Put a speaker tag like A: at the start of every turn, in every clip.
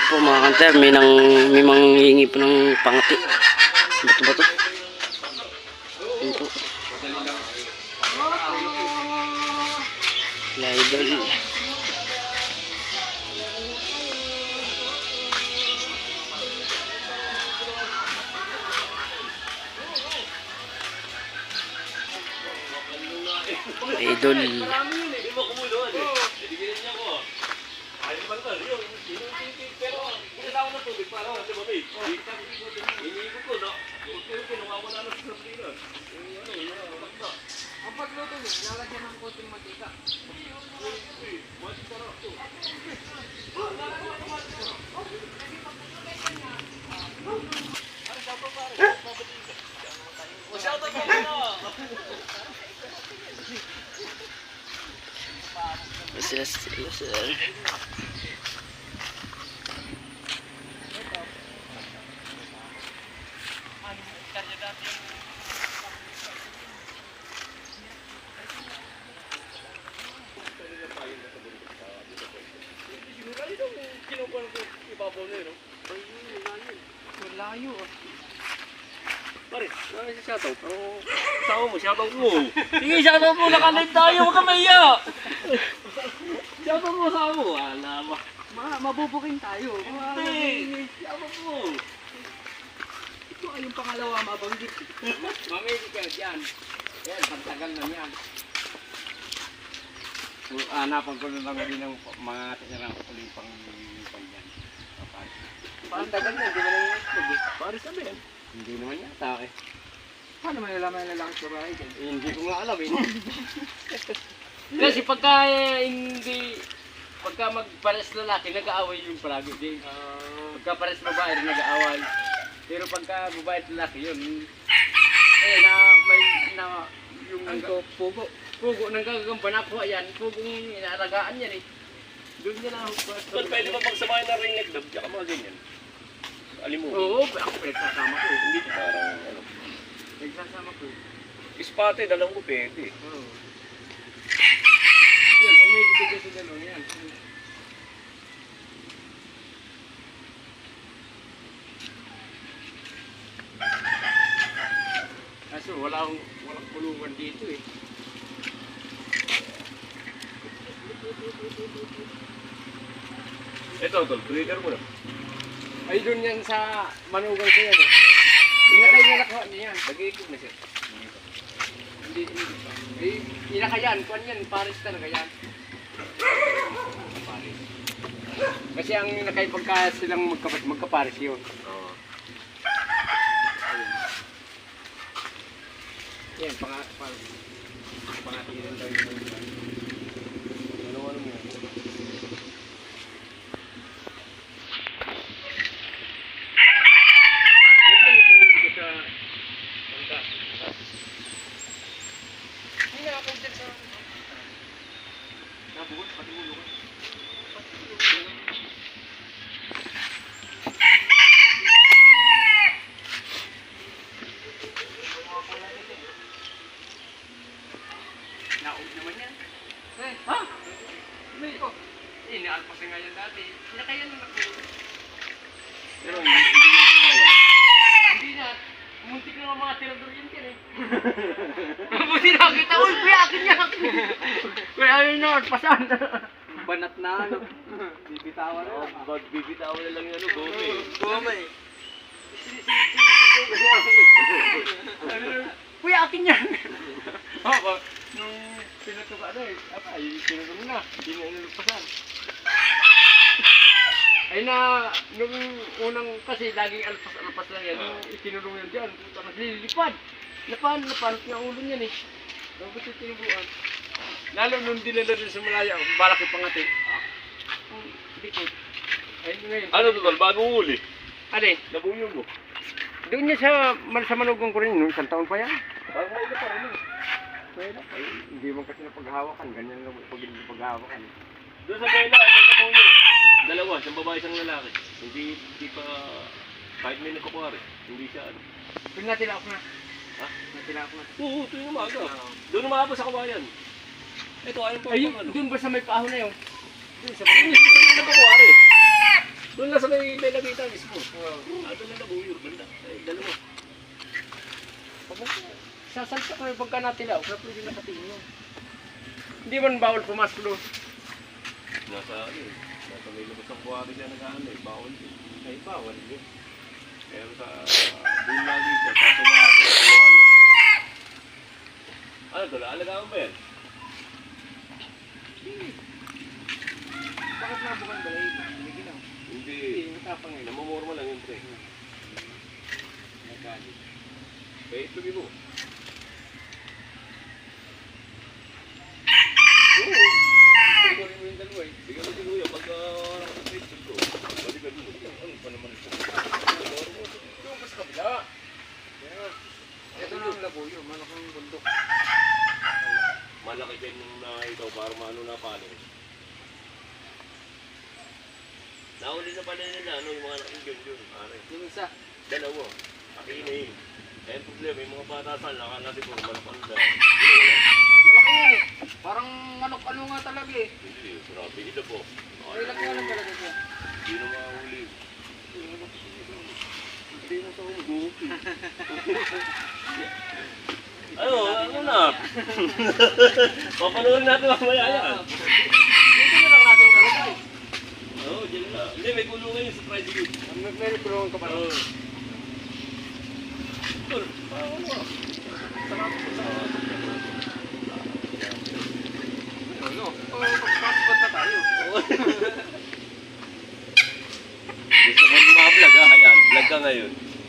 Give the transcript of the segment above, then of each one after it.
A: po mga kanter, may manghingi po ng pangati. Bato ba to? Yun po. Idol. Idol.
B: Ang pagluto niya, lalagyan ng konting mantika.
A: Sir.
B: Layo ah.
C: Pare, ano si shoutout? Pero kasama mo, shoutout mo. Sige, shoutout mo, nakalive tayo, huwag ka maiya. Shoutout mo, kasama mo. Wala ba?
B: Mabubuking tayo.
C: Hindi, shoutout mo.
B: Ito ay yung pangalawa mabanggit.
D: Mamili ka dyan. Yan, pagtagal na yan. So, hanapan ko na lang din ng mga tinarang uling pang yan.
B: Ang tagal na, hindi mo lang yung itlog eh.
C: Pare sabi yan.
D: Hindi naman yata eh.
B: Paano may nalaman na lang sa bahay dyan?
D: Hindi ko nga alam eh.
C: Kasi pagka pagka magpares lalaki, nag-aaway yung palagi. Pagka pares babae, nag-aaway. Pero pagka babae at lalaki yun, yung
B: Pugo.
C: pugo nang gagamba na po yan, pugong inaalagaan yan eh. Doon niya na
E: But pwede ba magsamahin na ring neck dub? Tsaka mga ganyan. Alimu.
C: Oo, ako pinagsasama ko.
E: Hindi parang ano.
C: Nagsasama ko.
E: Spotted, alam ko pwede.
C: Oo. Yan, mamili ko dyan sa dalawang yan. Kaso walang kulungan dito eh.
E: Ito, tol, breeder mo na.
C: Ay doon yan sa manugang ko yan eh. Inakay niya nakuha niya yan.
E: Nag-iikot na siya.
C: Hindi. Inakay yan. Kuhan yan. Paris talaga yan. Paris. Kasi ang inakay pagka silang magkaparis yun.
E: Oo.
C: Yan, pangatinan daw yun.
E: Ano mo yan?
C: Ganyan ito ko sa bangka. Hindi na ako dyan sa... Nabuhat, pati ulo ka. Naog naman yan. Ha? Hindi ko. Inaalpas na nga yan dati. Sinakayan ng ako.
E: Pero hindi yan naman.
C: Hindi na. Muntik na mga tirador yan yan eh. Mabuti nakita. Uy, kuya, akin yan. Kuya, ayun na. Pasan.
B: Banat na ano. Bibitawan na.
E: Bibitawan na lang yung ano, gome.
B: Goma eh.
C: Kuya, akin yan. Oo, nung pinatuba na eh. Ay, pinatuba na. Hindi na inulugpasan. Ay na, nung unang kasi laging alpas-alpas lang yan. Nung itinulong yan dyan, tapos lilipad. Napanot nga ulo niyan eh. Bakit yung tinubuan? Lalo nung dinala rin sa Malaya, balak yung pangati. Dikit. Ay, ngayon.
E: Ano to, tol? Bagong huli.
C: Ano eh?
E: Nabunyo mo.
C: Doon niya sa manugang ko rin, nung isang taon pa yan.
E: Bagong huli pa rin.
C: Pwede. Ay, hindi mo kasi napaghawakan. Ganyan lang pag hindi paghawakan.
E: Doon sa Bella, may nabunyo. Dalawa, isang babae, isang lalaki. Hindi pa, kahit may nagkukuha rin. Hindi siya ano.
C: Doon natin ako na.
E: Ha?
C: Natin ako na.
E: Oo, ito yung umaga. Doon umaga sa kawayan. Ito, ayun po.
C: Ayun,
E: ano.
C: doon ba sa may paho na yun?
E: Doon sa may nagkukuha rin. Doon lang sa may mismo. Ato lang na buyo, banda. Ay, dalawa.
C: Sasalsa ko yung pagka natilaw, kaya pwede nakatingin yun. Hindi man bawal pumasok doon.
E: Nasa ano eh. Nasa may labas ng buhari dyan nag-ano eh. Bawal din. Ay, bawal din. Pero sa doon lagi siya. Sa tumato. Kuha yan. Ano to? Alagaan ba yan?
C: Bakit nabukan ba yun? Hindi ginaw.
E: Hindi.
C: Matapang yun.
E: Namumurma lang yung pre.
C: Nagalit.
E: Kaya ituloy mo. Oo. Ituloy mo yung dalawa eh. Bigyan mo si Kuya pagka nakapag-Facebook ko. Balikan mo. Ano pa naman ito?
C: Yung pas kabila. Ito na ang labuyo, malaking bundok.
E: Malaki din yung ito para maano na palo. Nauli na pala nila ano, yung mga nakikigan yun. Pare.
C: Yung isa.
E: Dalawa. Akini. Eh, problema, yung mga batasan, nakakasi ko, malapang na. Hindi na wala.
C: Malaki yun eh. Parang manok-ano nga talaga eh.
E: Hindi, grabe. Ito po.
C: Ay, lang nga lang talaga siya.
E: Hindi na makahuli. Hindi na sa hugot. Ano na? Papanood natin mamaya yan.
C: Dito na lang natin talaga eh.
E: Oo, dyan na. Hindi, may kulungan yung surprise you.
C: May tulungan ka pa rin.
E: Oo. Tol, parang ano ah. Sarap ko sa...
C: Ano? Pagpasbat na tayo.
E: Gusto mo mga-vlog ah? Ayan, vlog ka ngayon.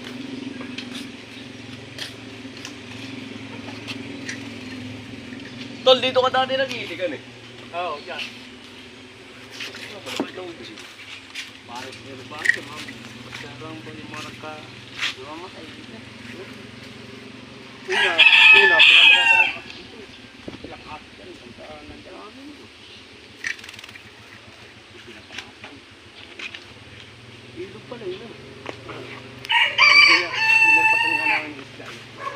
E: Tol, dito ka dati nag-iitikan eh.
C: Oo, dyan.
E: Ano pa naman lang ito?
C: Bakit meron ba ito, ma'am? Sarang po yung mga nagka... Mamatay dito. Una, pinagmata lang ako dito. Lakas yan, pagka nandiyan kami. Pinapakatan. Ilog pala yun. Kaya, pinagpasan nga namin yung isla.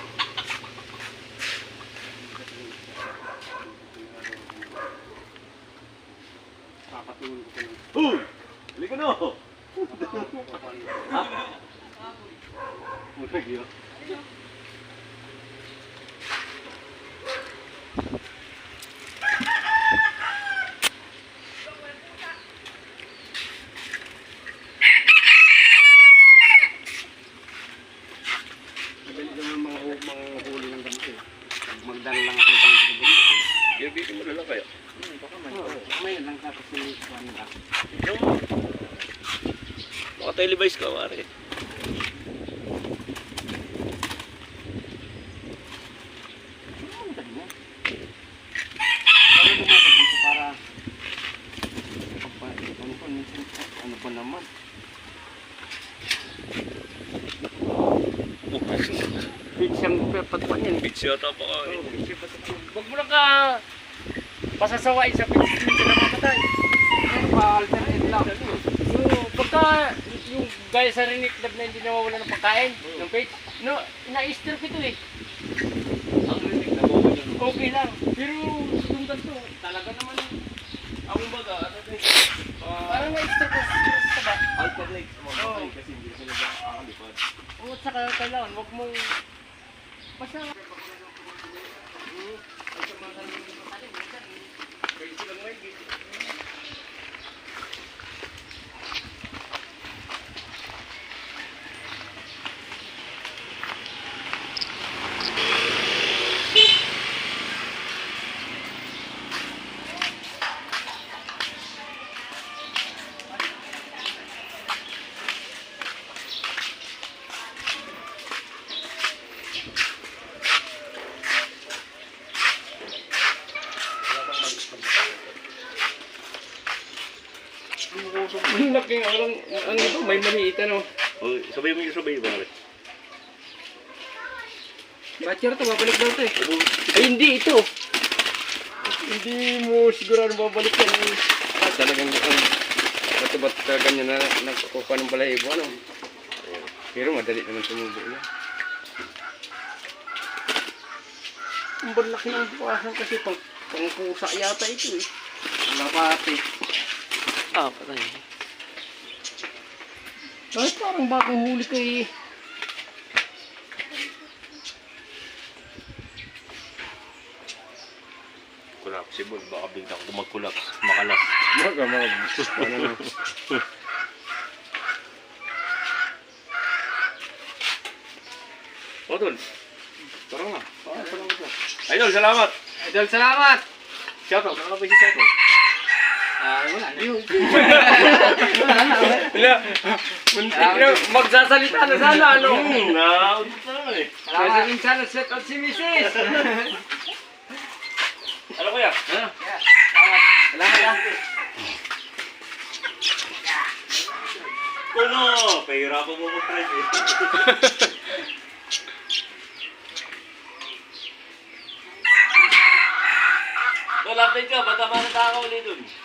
C: Papatulog ko ng...
E: Uy! Halika na! Mulag yun.
C: Madali naman mga huli ng ganito eh. Magdala lang ako ng pangit sa ganito.
E: Gabitin mo na lang kayo.
C: Baka may. May lang tapos nilikuan nila.
E: Naka-televise ka, pare.
C: Ang dali mo. Ano lumabas dito para... Ano pa naman? Big siyang patuan yan.
E: Beach yata pa ka eh.
C: Huwag mo lang ka pasasawain sa pinsin na mamatay. Ano ba, alternate lang. Pagka yung gaya sa Rinik Club na hindi nawawala ng pagkain, ng page, no, na-easter ko ito eh.
E: Ang rinig na okay lang.
C: Okay lang. Pero yung ganito, talaga naman,
E: Ako baga, ano din?
C: parang na-easter ko sa ba?
E: Alternate sa mga patay kasi hindi sila nakakalipad.
C: Oo, at saka kailangan, huwag mong, basta, ang laking ang ito, may maliit ano.
E: Oh, sabay mo yung sabay, pare.
C: Batcher to, babalik daw to eh. Ay, hindi ito. Hindi mo sigurado babalik yan. Talagang ba't ganyan na nagkukuha ng balahibo, ano? Pero madali naman tumubo yan. Ang balaki ng bukasan kasi pang pusa yata ito eh. Wala pati.
A: Ah, patay.
C: Ay, parang bagong huli kay...
E: Collapsible. Baka bigla ko mag-collapse. Makalas.
D: Ano na.
E: O, Tol. Tara nga. Idol, salamat.
B: Idol, salamat!
E: Shoutout. Ano ba si shoutout?
B: Wala na.
C: Magsasalita na sana, ano?
E: Naudot na naman eh.
C: Sasabihin sana set out si Mrs.
E: Ano kuya?
B: Salamat.
E: Kuno! Pahirapan mo mag-drive eh. Tol, update ka. Baka manatakaw ulit dun.